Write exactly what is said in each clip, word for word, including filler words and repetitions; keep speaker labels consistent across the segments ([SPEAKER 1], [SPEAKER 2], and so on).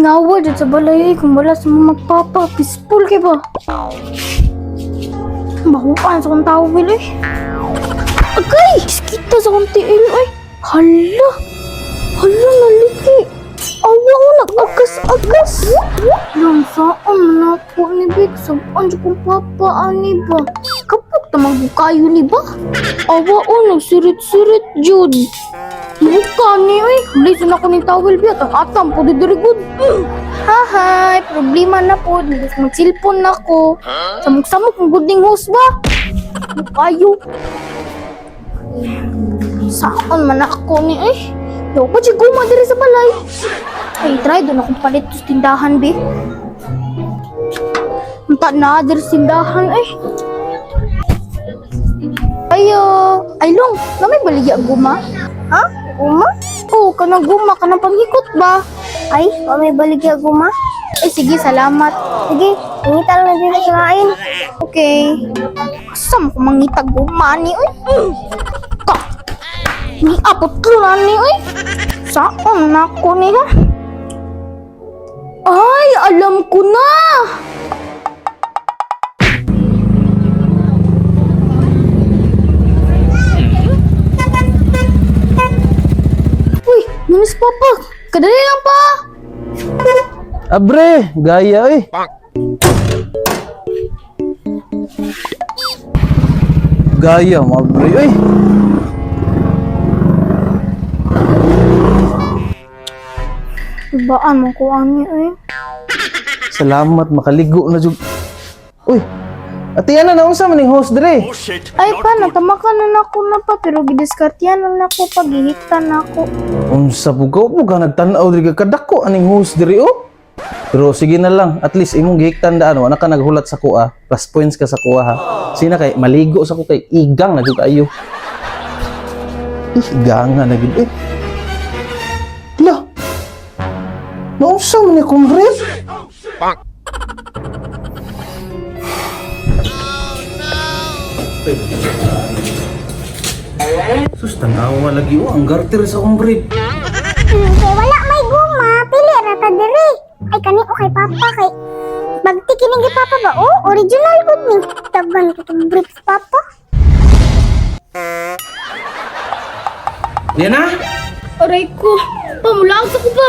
[SPEAKER 1] Gingawa dyan sa balay kung wala sa mga magpapa. Peaceful kay ba? Mahukaan sa kong tao, Will, eh. Agay! Kita sa kong tiil, ay. Hala! Hala, naliki. Awa ko, nag-agas-agas. Lang saan man ako ni Big. Saan siya kong papa, ani ba? Kapag tamang bukayo ni ba? Awa ko, nagsirit-sirit, Jude. Buka ni, ay. Listen ako ni towel, biya. Atam po, di very good. Hahay, problema na po. Mag-silpon na ko. Samok-samok, ang good ning host ba? Bukayo. Saan man ako ni, ay. Yo, pa siya guma diri sa balay. Ay, try doon akong palit sa tindahan, be. Mata na diri sa tindahan, ay. Ayo, ay long, na may baligya guma? Ha? Guma? Oo, kanang guma, kanang panghikot ba? Ay, pa may baligya guma? Eh, sige, salamat. Sige, ingita lang na dito sa kain. Okay. Asam ko mangita guma ni, uy. Ka! Ni apot lunan ni, uy. Saan na ko ni, ha? Ay, alam ko na! Uy, manis papa. Kadali lang pa.
[SPEAKER 2] Abre, gaya eh. Gaya mo, abre eh.
[SPEAKER 1] Ibaan mo ko ani eh.
[SPEAKER 2] Salamat, makaligo na jud. Uy, ati yan na naunsa man yung host dire.
[SPEAKER 1] Ay pa, natamakan na nako na pa pero gidiskartiyan na nako pag gihitan nako.
[SPEAKER 2] Unsa bugaw mo ka nagtan-aw diri ka kadako aning host dire oh. Pero sige na lang, at least imong gihiktan daan wala ka naghulat sa kuha. Plus points ka sa kuha ha. Sina kay maligo sa ko kay igang na jud kayo. Igang na gid eh. La. Naunsa man ni kumbre? Sus, tanawa lagi oh, ang garter sa kumbre.
[SPEAKER 3] Hmm, kay wala may guma, pili ra ta diri. Ay kani o kay papa kay magtikinig ni papa ba? Oh, original gud ni. Taban ko tong brief papa.
[SPEAKER 2] Yan na?
[SPEAKER 1] Aray ko, pamulaog sa ko ba?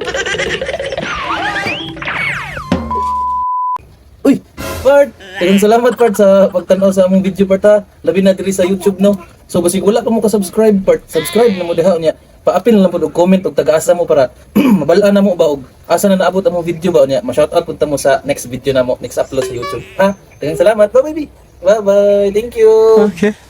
[SPEAKER 2] Uy, Bart! Daghang salamat, Bart, sa pagtanaw sa among video, Bart, ha? Labi na diri sa YouTube, no? So, basig wala ka mo ka-subscribe, Bart. Subscribe na mo diha niya. Pa-apil na lang po og comment og taga-asa mo para mabalaan na mo ba og asa na naabot among video ba niya. Ma-shoutout punta mo sa next video na mo, next upload sa YouTube. Ha? Daghang salamat. Bye, baby. Bye-bye. Thank you.
[SPEAKER 4] Okay.